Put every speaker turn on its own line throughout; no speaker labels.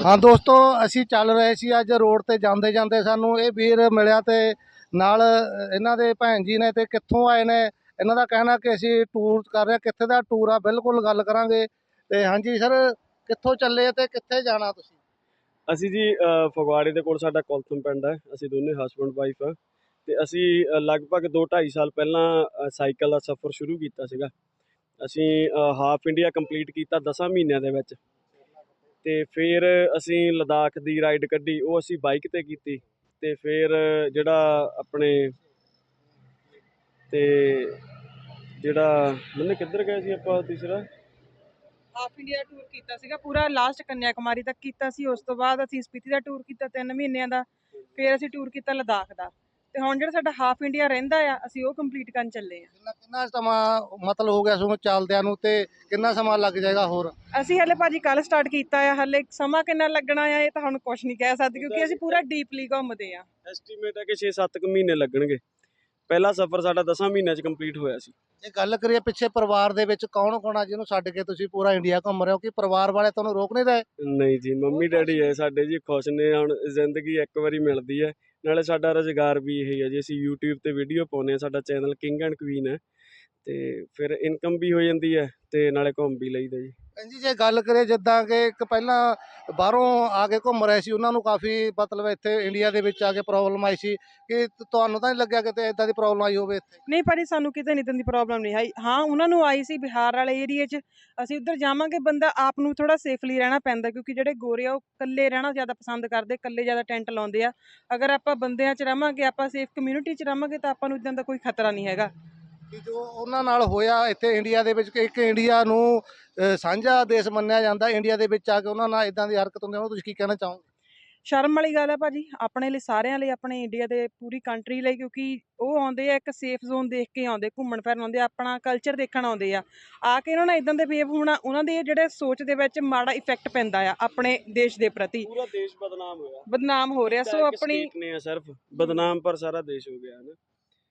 ਹਾਂ ਦੋਸਤੋ, ਅਸੀਂ ਚੱਲ ਰਹੇ ਸੀ ਅੱਜ ਰੋਡ ਤੇ ਜਾਂਦੇ ਜਾਂਦੇ ਸਾਨੂੰ ਇਹ ਵੀਰ ਮਿਲਿਆ ਤੇ ਨਾਲ ਇਹਨਾਂ ਦੇ ਭੈਣ ਜੀ ਨੇ ਤੇ ਕਿੱਥੋਂ ਆਏ ਨੇ। ਇਹਨਾਂ ਦਾ ਕਹਿਣਾ ਕਿ ਅਸੀਂ ਟੂਰ ਕਰ ਰਹੇ, ਕਿੱਥੇ ਦਾ ਟੂਰ ਆ ਬਿਲਕੁਲ ਗੱਲ ਕਰਾਂਗੇ। ਤੇ ਹਾਂਜੀ ਸਰ, ਕਿੱਥੋਂ ਚੱਲੇ ਤੇ ਕਿੱਥੇ ਜਾਣਾ ਤੁਸੀਂ?
ਅਸੀਂ ਜੀ ਫਗਵਾੜੇ ਦੇ ਕੋਲ ਸਾਡਾ ਕੋਲਥਮ ਪਿੰਡ ਹੈ। ਅਸੀਂ ਦੋਨੇ ਹਸਬੈਂਡ ਵਾਈਫ ਆ ਤੇ ਅਸੀਂ ਲਗਭਗ 2-2.5 ਸਾਲ ਪਹਿਲਾਂ ਸਾਈਕਲ ਦਾ ਸਫ਼ਰ ਸ਼ੁਰੂ ਕੀਤਾ ਸੀਗਾ। ਅਸੀਂ ਹਾਫ ਇੰਡੀਆ ਕੰਪਲੀਟ ਕੀਤਾ 10 ਮਹੀਨਿਆਂ ਦੇ ਵਿੱਚ ਤੇ ਫਿਰ ਅਸੀਂ ਲਦਾਖ ਦੀ ਰਾਈਡ ਕੱਢੀ, ਉਹ ਅਸੀਂ ਬਾਈਕ ਤੇ ਕੀਤੀ। ਤੇ ਫਿਰ ਜਿਹੜਾ ਆਪਣੇ ਤੇ ਜਿਹੜਾ ਮੈਨੇ ਕਿੱਧਰ ਗਏ ਸੀ ਆਪਾਂ ਤੀਸਰਾ
ਹਾਫ ਇੰਡੀਆ ਟੂਰ ਕੀਤਾ ਸੀਗਾ ਪੂਰਾ, ਲਾਸਟ ਕੰਨਿਆਕੁਮਾਰੀ ਤੱਕ ਕੀਤਾ ਸੀ। ਉਸ ਤੋਂ ਬਾਅਦ ਅਸੀਂ ਸਪੀਤੀ ਦਾ ਟੂਰ ਕੀਤਾ 3 ਮਹੀਨਿਆਂ ਦਾ। ਫਿਰ ਅਸੀਂ ਟੂਰ ਕੀਤਾ ਲਦਾਖ ਦਾ, ਤੇ ਹੁਣ ਜਿਹੜਾ ਸਾਡਾ ਹਾਫ ਇੰਡੀਆ ਰਹਿੰਦਾ ਆ ਅਸੀਂ ਉਹ ਕੰਪਲੀਟ ਕਰਨ ਚੱਲੇ ਆ।
ਕਿੰਨਾ ਸਮਾਂ ਮਤਲਬ ਹੋ ਗਿਆ ਤੁਹਾਨੂੰ ਚੱਲਦਿਆਂ ਨੂੰ ਤੇ ਕਿੰਨਾ ਸਮਾਂ ਲੱਗ ਜਾਏਗਾ ਹੋਰ?
ਅਸੀਂ ਹਲੇ ਭਾਜੀ ਕੱਲ ਸਟਾਰਟ ਕੀਤਾ ਆ, ਹਲੇ ਸਮਾਂ ਕਿੰਨਾ ਲੱਗਣਾ ਆ ਇਹ ਤਾਂ ਹੁਣ ਕੁਝ ਨਹੀਂ ਕਹਿ ਸਕਦੇ, ਕਿਉਂਕਿ ਅਸੀਂ ਪੂਰਾ ਡੀਪਲੀ ਘੁੰਮਦੇ ਆ।
ਐਸਟੀਮੇਟ ਹੈ ਕਿ 6-7 ਮਹੀਨੇ ਲੱਗਣਗੇ। ਪਹਿਲਾ ਸਫ਼ਰ ਸਾਡਾ 10 ਮਹੀਨਿਆਂ 'ਚ ਕੰਪਲੀਟ ਹੋਇਆ ਸੀ।
ਜੇ ਗੱਲ ਕਰੀਏ ਪਿੱਛੇ ਪਰਿਵਾਰ ਦੇ ਵਿੱਚ ਕੌਣ ਕੌਣ ਆ ਜਿਹਨੂੰ ਛੱਡ ਕੇ ਤੁਸੀਂ ਪੂਰਾ ਇੰਡੀਆ ਘੁੰਮ ਰਹੇ ਹੋ, ਕਿ ਪਰਿਵਾਰ ਵਾਲੇ ਤੁਹਾਨੂੰ ਰੋਕ ਨਹੀਂ ਰਹੇ?
ਨਹੀਂ ਜੀ, ਮੰਮੀ ਡੈਡੀ ਹੈ ਸਾਡੇ ਜੀ, ਖੁਸ਼ ਨੇ। ਹੁਣ ਜ਼ਿੰਦਗੀ ਇੱਕ ਵਾਰੀ ਮਿਲਦੀ ਹੈ, ਨਾਲੇ ਸਾਡਾ ਰੁਜ਼ਗਾਰ ਵੀ ਇਹੀ ਹੈ ਜੀ। ਅਸੀਂ YouTube ਤੇ ਵੀਡੀਓ ਪਾਉਂਦੇ ਹਾਂ, ਸਾਡਾ ਚੈਨਲ ਕਿੰਗ ਐਂਡ ਕੁਈਨ ਹੈ, ਤੇ ਫਿਰ ਇਨਕਮ ਵੀ ਹੋ ਜਾਂਦੀ ਹੈ ਤੇ ਨਾਲੇ ਘੁੰਮ ਵੀ ਲਈਦਾ ਜੀ।
ਜੀ ਜੇ ਗੱਲ ਕਰੀਏ ਜਿੱਦਾਂ ਕਿ ਇੱਕ ਪਹਿਲਾਂ ਬਾਹਰੋਂ ਆ ਕੇ ਘੁੰਮ ਰਹੇ ਸੀ, ਉਹਨਾਂ ਨੂੰ ਕਾਫੀ ਮਤਲਬ ਇੱਥੇ ਇੰਡੀਆ ਦੇ ਵਿੱਚ ਆ ਕੇ ਪ੍ਰੋਬਲਮ ਆਈ ਸੀ, ਕਿ ਤੁਹਾਨੂੰ ਤਾਂ ਨਹੀਂ ਲੱਗਿਆ ਕਿਤੇ ਇਦਾਂ ਦੀ ਪ੍ਰੋਬਲਮ ਆਈ ਹੋਵੇ ਇੱਥੇ?
ਨਹੀਂ ਭਾਜੀ, ਸਾਨੂੰ ਕਿਤੇ ਨਹੀਂ ਦੀ ਪ੍ਰੋਬਲਮ ਨਹੀਂ ਆਈ। ਹਾਂ, ਉਹਨਾਂ ਨੂੰ ਆਈ ਸੀ ਬਿਹਾਰ ਵਾਲੇ ਏਰੀਏ 'ਚ। ਅਸੀਂ ਉੱਧਰ ਜਾਵਾਂਗੇ, ਬੰਦਾ ਆਪ ਨੂੰ ਥੋੜਾ ਸੇਫਲੀ ਰਹਿਣਾ ਪੈਂਦਾ, ਕਿਉਂਕਿ ਜਿਹੜੇ ਗੋਰੇ ਆ ਉਹ ਇਕੱਲੇ ਰਹਿਣਾ ਜ਼ਿਆਦਾ ਪਸੰਦ ਕਰਦੇ, ਇਕੱਲੇ ਜ਼ਿਆਦਾ ਟੈਂਟ ਲਾਉਂਦੇ ਆ। ਅਗਰ ਆਪਾਂ ਬੰਦਿਆਂ 'ਚ ਰਵਾਂਗੇ, ਆਪਾਂ ਸੇਫ ਕਮਿਊਨਿਟੀ 'ਚ ਰਵਾਂਗੇ, ਤਾਂ ਆਪਾਂ ਨੂੰ ਇੱਦਾਂ ਦਾ ਕੋਈ ਖਤਰਾ ਨਹੀਂ ਹੈਗਾ।
ਕਿ ਜੋ ਉਹਨਾਂ ਨਾਲ ਹੋਇਆ ਇੱਥੇ ਇੰਡੀਆ ਦੇ ਵਿੱਚ, ਕਿ ਇੱਕ ਇੰਡੀਆ ਨੂੰ ਸਾਂਝਾ ਦੇਸ਼ ਮੰਨਿਆ ਜਾਂਦਾ, ਇੰਡੀਆ ਦੇ ਵਿੱਚ ਆ ਕੇ ਉਹਨਾਂ ਨਾਲ ਇਦਾਂ ਦੀ ਹਰਕਤ ਹੁੰਦੀ, ਉਹਨੂੰ ਤੁਸੀਂ ਕੀ ਕਹਿਣਾ ਚਾਹੋਗੇ?
ਸ਼ਰਮ ਵਾਲੀ ਗੱਲ ਹੈ ਭਾਜੀ, ਆਪਣੇ ਲਈ, ਸਾਰਿਆਂ ਲਈ, ਆਪਣੇ ਇੰਡੀਆ ਦੇ ਪੂਰੀ ਕੰਟਰੀ ਲਈ, ਕਿਉਂਕਿ ਉਹ ਆਉਂਦੇ ਆ ਇੱਕ ਸੇਫ ਜ਼ੋਨ ਦੇਖ ਕੇ ਆਉਂਦੇ, ਘੁੰਮਣ ਫਿਰਨ ਆਉਂਦੇ, ਆਪਣਾ ਕਲਚਰ ਦੇਖਣ ਆਉਂਦੇ ਆ ਕੇ ਉਹਨਾਂ ਨਾਲ ਇਦਾਂ ਦੇ ਬਿਹੇਵ ਹੋਣਾ, ਉਹਨਾਂ ਦੇ ਜਿਹੜੇ ਸੋਚ ਦੇ ਵਿੱਚ ਮਾੜਾ ਇਫੈਕਟ ਪੈਂਦਾ ਆ ਆਪਣੇ ਦੇਸ਼ ਦੇ ਪ੍ਰਤੀ।
ਪੂਰਾ ਦੇਸ਼
ਬਦਨਾਮ ਹੋ ਰਿਹਾ। ਸੋ ਆਪਣੀ
ਨੇ ਸਿਰਫ ਬਦਨਾਮ, ਪਰ ਸਾਰਾ ਦੇਸ਼ ਹੋ ਗਿਆ ਨਾ।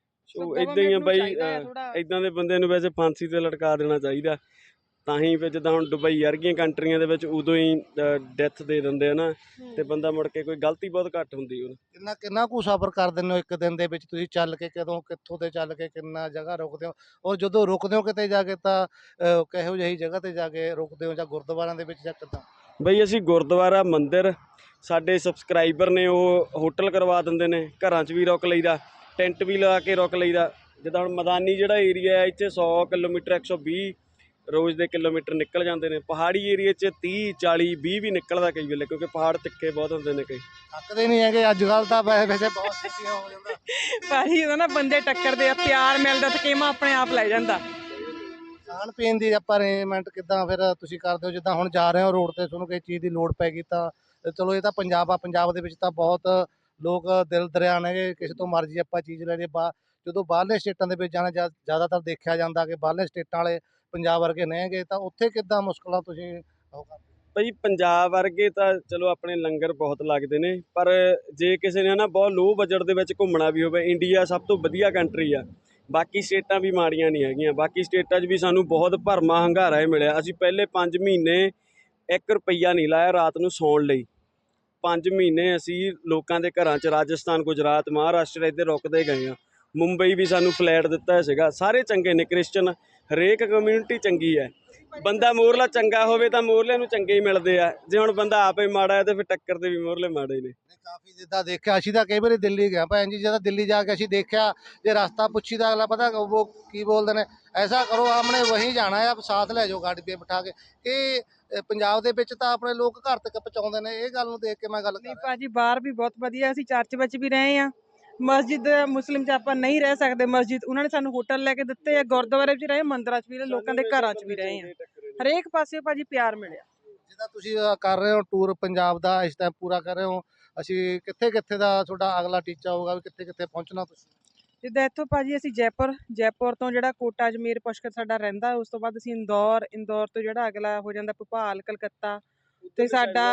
ਸੋ ਇਦਾਂ ਹੀ ਆ ਬਾਈ, ਇਦਾਂ ਦੇ ਬੰਦੇ ਨੂੰ ਵੈਸੇ ਫਾਂਸੀ ਤੇ ਲਟਕਾ ਦੇਣਾ ਚਾਹੀਦਾ। ਤਾਂ ਹੀ ਫਿਰ ਜਿੱਦਾਂ ਹੁਣ ਦੁਬਈ ਵਰਗੀਆਂ ਕੰਟਰੀਆਂ ਦੇ ਵਿੱਚ ਉਦੋਂ ਹੀ ਡੈਥ ਦੇ ਦਿੰਦੇ ਆ ਨਾ, ਤੇ ਬੰਦਾ ਮੁੜ ਕੇ ਕੋਈ ਗਲਤੀ ਬਹੁਤ ਘੱਟ ਹੁੰਦੀ ਉਹ।
ਕਿੰਨਾ ਕੁ ਸਫ਼ਰ ਕਰ ਦਿੰਦੇ ਹੋ ਇੱਕ ਦਿਨ ਦੇ ਵਿੱਚ ਤੁਸੀਂ ਚੱਲ ਕੇ? ਕਦੋਂ ਕਿੱਥੋਂ ਤੇ ਚੱਲ ਕੇ ਕਿੰਨਾ ਜਗ੍ਹਾ ਰੁਕਦੇ ਹੋ? ਔਰ ਜਦੋਂ ਰੁਕਦੇ ਹੋ ਕਿਤੇ ਜਾ ਕੇ ਤਾਂ ਕਿਹੋ ਜਿਹੀ ਜਗ੍ਹਾ ਤੇ ਜਾ ਕੇ ਰੁਕਦੇ ਹੋ, ਜਾਂ ਗੁਰਦੁਆਰਿਆਂ ਦੇ ਵਿੱਚ ਜਾਂ ਕਿੱਦਾਂ?
ਬਈ ਅਸੀਂ ਗੁਰਦੁਆਰਾ, ਮੰਦਿਰ, ਸਾਡੇ ਸਬਸਕ੍ਰਾਈਬਰ ਨੇ ਉਹ ਹੋਟਲ ਕਰਵਾ ਦਿੰਦੇ ਨੇ, ਘਰਾਂ 'ਚ ਵੀ ਰੁਕ ਲਈਦਾ, ਟੈਂਟ ਵੀ ਲਾ ਕੇ ਰੁਕ ਲਈਦਾ। ਜਿੱਦਾਂ ਹੁਣ ਮੈਦਾਨੀ ਜਿਹੜਾ ਏਰੀਆ ਹੈ, ਇੱਥੇ 100 ਕਿਲੋਮੀਟਰ 120 ਰੋਜ਼ ਦੇ ਕਿਲੋਮੀਟਰ ਨਿਕਲ ਜਾਂਦੇ ਨੇ। ਪਹਾੜੀ ਏਰੀਏ 'ਚ 30 40 20 ਵੀ ਨਿਕਲਦਾ ਕਈ ਵੇਲੇ, ਕਿਉਂਕਿ ਪਹਾੜ ਤਿੱਖੇ ਬਹੁਤ ਹੁੰਦੇ ਨੇ। ਕਈ
ਥੱਕਦੇ ਨਹੀਂ ਹੈਗੇ ਅੱਜ ਕੱਲ੍ਹ ਤਾਂ? ਵੈਸੇ ਬਹੁਤ ਛੇਤੀਆਂ ਹੋ ਜਾਂਦਾ
ਭਾਜੀ, ਉਹਦਾ ਨਾ ਬੰਦੇ ਟੱਕਰਦੇ ਆ, ਪਿਆਰ ਮਿਲਦਾ, ਥਕੇਵਾਂ ਆਪਣੇ ਆਪ ਲੈ ਜਾਂਦਾ।
ਖਾਣ ਪੀਣ ਦੀ ਆਪਾਂ ਅਰੇਂਜਮੈਂਟ ਕਿੱਦਾਂ ਫਿਰ ਤੁਸੀਂ ਕਰਦੇ ਹੋ? ਜਿੱਦਾਂ ਹੁਣ ਜਾ ਰਹੇ ਹੋ ਰੋਡ ਤੇ, ਤੁਹਾਨੂੰ ਕਿਸੇ ਚੀਜ਼ ਦੀ ਲੋੜ ਪੈ ਗਈ ਤਾਂ ਚਲੋ ਇਹ ਤਾਂ ਪੰਜਾਬ ਆ, ਪੰਜਾਬ ਦੇ ਵਿੱਚ ਤਾਂ ਬਹੁਤ ਲੋਕ ਦਿਲ ਦਰਿਆ ਨੇ, ਕਿਸੇ ਤੋਂ ਮਰਜ਼ੀ ਆਪਾਂ ਚੀਜ਼ ਲੈ ਲਈਏ। ਜਦੋਂ ਬਾਹਰਲੇ ਸਟੇਟਾਂ ਦੇ ਵਿੱਚ ਜਾਣਾ, ਜ਼ਿਆਦਾਤਰ ਦੇਖਿਆ ਜਾਂਦਾ ਕਿ ਬਾਹਰਲੇ ਸਟੇਟਾਂ ਵਾਲੇ ਪੰਜਾਬ ਵਰਗੇ ਨਹੀਂ ਹੈਗੇ, ਤਾਂ ਉੱਥੇ ਕਿੱਦਾਂ ਮੁਸ਼ਕਲਾਂ ਤੁਸੀਂ ਉਹ ਕਰਦੇ?
ਭਾਈ ਪੰਜਾਬ ਵਰਗੇ ਤਾਂ ਚਲੋ ਆਪਣੇ ਲੰਗਰ ਬਹੁਤ ਲੱਗਦੇ ਨੇ, ਪਰ ਜੇ ਕਿਸੇ ਨੇ ਨਾ ਬਹੁਤ ਲੋਅ ਬਜਟ ਦੇ ਵਿੱਚ ਘੁੰਮਣਾ ਵੀ ਹੋਵੇ, ਇੰਡੀਆ ਸਭ ਤੋਂ ਵਧੀਆ ਕੰਟਰੀ ਆ। ਬਾਕੀ ਸਟੇਟਾਂ ਵੀ ਮਾੜੀਆਂ ਨਹੀਂ ਹੈਗੀਆਂ, ਬਾਕੀ ਸਟੇਟਾਂ 'ਚ ਵੀ ਸਾਨੂੰ ਬਹੁਤ ਭਰਮਾ ਹੰਗਾਰਾ ਹੀ ਮਿਲਿਆ। ਅਸੀਂ ਪਹਿਲੇ 5 ਮਹੀਨੇ 1 ਰੁਪਈਆ ਨਹੀਂ ਲਾਇਆ ਰਾਤ ਨੂੰ ਸੌਣ ਲਈ। 5 ਮਹੀਨੇ ਅਸੀਂ ਲੋਕਾਂ ਦੇ ਘਰਾਂ 'ਚ ਰਾਜਸਥਾਨ, ਗੁਜਰਾਤ, ਮਹਾਰਾਸ਼ਟਰ ਇੱਧਰ ਰੁਕਦੇ ਗਏ ਹਾਂ। ਮੁੰਬਈ ਵੀ ਸਾਨੂੰ ਫਲੈਟ ਦਿੱਤਾ ਸੀਗਾ। ਸਾਰੇ ਚੰਗੇ ਨੇ, ਕ੍ਰਿਸਚਨ, ਹਰੇਕ ਕਮਿਊਨਿਟੀ ਚੰਗੀ ਹੈ। ਬੰਦਾ ਮੋਹਰਲਾ ਚੰਗਾ ਹੋਵੇ ਤਾਂ ਮੋਹਰਲੇ ਨੂੰ ਚੰਗੇ ਹੀ ਮਿਲਦੇ ਆ। ਜੇ ਹੁਣ ਬੰਦਾ ਆਪੇ ਮਾੜਾ ਹੈ ਤੇ ਫਿਰ ਟੱਕਰ ਦੇ ਵੀ ਮੋਹਰਲੇ ਮਾੜੇ ਨੇ।
ਕਾਫੀ ਜਿੱਦਾਂ ਦੇਖਿਆ, ਅਸੀਂ ਤਾਂ ਕਈ ਵਾਰੀ ਦਿੱਲੀ ਗਿਆ ਭੈਣ ਜੀ, ਜਦੋਂ ਦਿੱਲੀ ਜਾ ਕੇ ਅਸੀਂ ਦੇਖਿਆ, ਜੇ ਰਸਤਾ ਪੁੱਛੀ ਤਾਂ ਅਗਲਾ ਪਤਾ ਉਹ ਕੀ ਬੋਲਦੇ ਨੇ, ਐਸਾ ਕਰੋ ਆਪਣੇ ਵਹੀਂ ਜਾਣਾ ਆ, ਸਾਥ ਲੈ ਜਾਓ ਗਾੜੀ 'ਤੇ ਬਿਠਾ ਕੇ। ਇਹ ਪੰਜਾਬ ਦੇ ਵਿੱਚ ਤਾਂ ਆਪਣੇ ਲੋਕ ਘਰ ਤੱਕ ਪਹੁੰਚਾਉਂਦੇ ਨੇ, ਇਹ ਗੱਲ ਨੂੰ ਦੇਖ ਕੇ ਮੈਂ ਗੱਲ ਕਰ
ਨਹੀਂ
ਰਿਹਾ।
ਭਾਜੀ, ਬਾਹਰ ਵੀ ਬਹੁਤ ਵਧੀਆ, ਅਸੀਂ ਚਰਚ ਵਿੱਚ ਵੀ ਰਹੇ ਆ। ਮਸਜਿਦ ਮੁਸਲਿਮ 'ਚ ਆਪਾਂ ਨਹੀਂ ਰਹਿ ਸਕਦੇ, ਮਸਜਿਦ ਉਹਨਾਂ ਨੇ ਸਾਨੂੰ ਹੋਟਲ ਲੈ ਕੇ ਦਿੱਤੇ ਆ, ਗੁਰਦੁਆਰੇ 'ਚ ਰਹੇ, ਮੰਦਿਰਾਂ 'ਚ ਵੀ ਰਹੇ, ਲੋਕਾਂ ਦੇ ਘਰਾਂ 'ਚ ਵੀ ਰਹੇ ਆ। ਹਰੇਕ ਪਾਸੇ ਭਾਜੀ ਪਿਆਰ ਮਿਲਿਆ।
ਜਿੱਦਾਂ ਤੁਸੀਂ ਕਰ ਰਹੇ ਹੋ ਟੂਰ ਪੰਜਾਬ ਦਾ ਇਸ ਟਾਈਮ ਪੂਰਾ ਕਰ ਰਹੇ ਹੋ, ਅਸੀਂ ਕਿੱਥੇ ਕਿੱਥੇ ਦਾ ਤੁਹਾਡਾ ਅਗਲਾ ਟੀਚਾ ਹੋਊਗਾ, ਵੀ ਕਿੱਥੇ ਕਿੱਥੇ ਪਹੁੰਚਣਾ ਤੁਸੀਂ?
ਜਿੱਦਾਂ ਇੱਥੋਂ ਭਾਜੀ ਅਸੀਂ ਜੈਪੁਰ ਤੋਂ ਜਿਹੜਾ ਕੋਟਾ, ਅਜਮੇਰ, ਪੁਸ਼ਕਰ ਸਾਡਾ ਰਹਿੰਦਾ, ਉਸ ਤੋਂ ਬਾਅਦ ਅਸੀਂ ਇੰਦੌਰ ਤੋਂ ਜਿਹੜਾ ਅਗਲਾ ਹੋ ਜਾਂਦਾ ਭੋਪਾਲ, ਕਲਕੱਤਾ। ਤੇ ਸਾਡਾ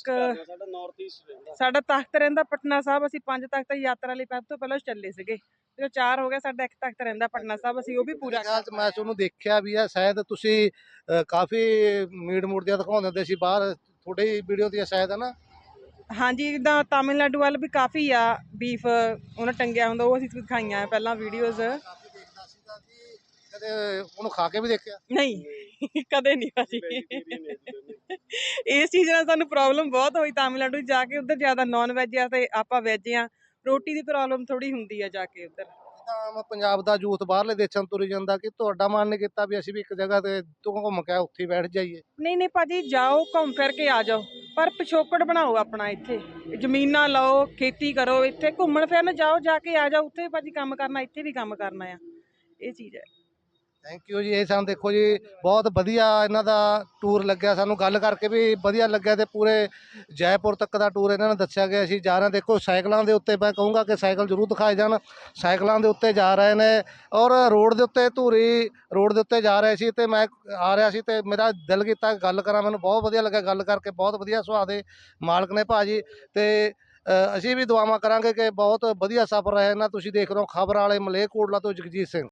ਤਖਤ ਰਹਿੰਦਾ ਪਟਨਾ ਸਾਹਿਬ। ਅਸੀਂ 5 ਤਖਤ ਯਾਤਰਾ ਲਈ ਸਭ ਤੋਂ ਪਹਿਲਾਂ ਚੱਲੇ ਸੀਗੇ, ਜਦੋਂ 4 ਹੋ ਗਿਆ, ਸਾਡਾ 1 ਤਖਤ ਰਹਿੰਦਾ ਪਟਨਾ ਸਾਹਿਬ, ਅਸੀਂ ਉਹ ਵੀ ਪੂਰਾ ਕਰਨਾ।
ਮੈਂ ਤੁਹਾਨੂੰ ਦੇਖਿਆ ਵੀ ਆ, ਸ਼ਾਇਦ ਤੁਸੀਂ ਕਾਫੀ ਮੀਟ ਮੂਟ ਜਿਹਾ ਦਿਖਾਉਂਦੇ ਹੁੰਦੇ ਸੀ ਬਾਹਰ, ਤੁਹਾਡੀ ਵੀਡੀਓ ਦੀ ਸ਼ਾਇਦ ਹੈ ਨਾ।
ਹਾਂਜੀ ਜਿੱਦਾਂ ਤਾਮਿਲਨਾਡੂ ਵੱਲ ਵੀ ਕਾਫੀ ਆ ਬੀਫ ਉਹਨਾਂ ਟੰਗਿਆ ਹੁੰਦਾ, ਉਹ ਅਸੀਂ ਦਿਖਾਈਆਂ ਆ ਪਹਿਲਾਂ ਵੀਡੀਓਜ਼।
ਕਾਫੀ ਦੇਖਦਾ ਸੀਗਾ ਕਿ ਕਦੇ ਉਹਨੂੰ ਖਾ ਕੇ ਵੀ ਦੇਖਿਆ।
ਨਹੀਂ ਕਦੇ ਨਹੀਂ ਭਾਜੀ।
Vegetarian ਹੈ ਜੀ ਦੋਨੇ।
ਇਸ ਚੀਜ਼ ਨਾਲ ਸਾਨੂੰ ਪ੍ਰੋਬਲਮ ਬਹੁਤ ਹੋਈ ਤਾਮਿਲਨਾਡੂ 'ਚ ਜਾ ਕੇ, ਉੱਧਰ ਜ਼ਿਆਦਾ ਨੌਨ ਵੈਜ ਆ ਤੇ ਆਪਾਂ ਵੈਜ ਆ, ਰੋਟੀ ਦੀ ਪ੍ਰੋਬਲਮ ਥੋੜੀ ਹੁੰਦੀ ਆ ਜਾ ਕੇ ਉੱਧਰ।
ਜਿੱਦਾਂ ਪੰਜਾਬ ਦਾ ਯੂਥ ਬਾਹਰਲੇ ਦੇਸ਼ਾਂ ਨੂੰ ਤੁਰੀ ਜਾਂਦਾ, ਕਿ ਤੁਹਾਡਾ ਮਨ ਨਹੀਂ ਕੀਤਾ ਵੀ ਅਸੀਂ ਵੀ ਇੱਕ ਜਗ੍ਹਾ ਤੇ ਤੋਂ ਘੁੰਮ ਕੇ ਉੱਥੇ ਹੀ ਬੈਠ ਜਾਈਏ?
ਨਹੀਂ ਨਹੀਂ ਭਾਜੀ ਜਾਓ ਘੁੰਮ ਫਿਰ ਕੇ ਆ ਜਾਓ, ਪਰ ਪਿਛੋਕੜ ਬਣਾਓ ਆਪਣਾ, ਇੱਥੇ ਜ਼ਮੀਨਾਂ ਲਓ, ਖੇਤੀ ਕਰੋ, ਇੱਥੇ ਘੁੰਮਣ ਫਿਰਨ ਜਾਓ, ਜਾ ਕੇ ਆ ਜਾਓ, ਉੱਥੇ ਭਾਜੀ ਕੰਮ ਕਰਨਾ, ਇੱਥੇ ਵੀ ਕੰਮ ਕਰਨਾ ਆ, ਇਹ ਚੀਜ਼ ਹੈ।
ਥੈਂਕ ਯੂ ਜੀ। ਇਹ ਸਾਨੂੰ ਦੇਖੋ ਜੀ ਬਹੁਤ ਵਧੀਆ ਇਹਨਾਂ ਦਾ ਟੂਰ ਲੱਗਿਆ, ਸਾਨੂੰ ਗੱਲ ਕਰਕੇ ਵੀ ਵਧੀਆ ਲੱਗਿਆ ਤੇ ਪੂਰੇ ਜੈਪੁਰ ਤੱਕ ਦਾ ਟੂਰ ਇਹਨਾਂ ਨੇ ਦੱਸਿਆ ਗਿਆ। ਅਸੀਂ ਜਾ ਰਹੇ ਦੇਖੋ ਸਾਈਕਲਾਂ ਦੇ ਉੱਤੇ, ਮੈਂ ਕਹੂੰਗਾ ਕਿ ਸਾਈਕਲ ਜ਼ਰੂਰ ਦਿਖਾਏ ਜਾਣ। ਸਾਈਕਲਾਂ ਦੇ ਉੱਤੇ ਜਾ ਰਹੇ ਨੇ ਔਰ ਰੋਡ ਦੇ ਉੱਤੇ ਧੂਰੀ ਰੋਡ ਦੇ ਉੱਤੇ ਜਾ ਰਹੇ ਸੀ ਤੇ ਮੈਂ ਆ ਰਿਹਾ ਸੀ ਤੇ ਮੇਰਾ ਦਿਲ ਕੀਤਾ ਗੱਲ ਕਰਾਂ, ਮੈਨੂੰ ਬਹੁਤ ਵਧੀਆ ਲੱਗਾ ਗੱਲ ਕਰਕੇ, ਬਹੁਤ ਵਧੀਆ ਸੁਭਾਅ ਦੇ ਮਾਲਕ ਨੇ ਭਾਜੀ। ਤੇ ਅਸੀਂ ਵੀ ਦੁਆਵਾਂ ਕਰਾਂਗੇ ਕਿ ਬਹੁਤ ਵਧੀਆ ਸਫ਼ਰ ਰਹੇ ਨਾ। ਤੁਸੀਂ ਦੇਖ ਰਹੇ ਹੋ ਖਬਰ ਵਾਲੇ ਮਲੇਰਕੋਟਲਾ ਤੋਂ ਜਗਜੀਤ ਸਿੰਘ।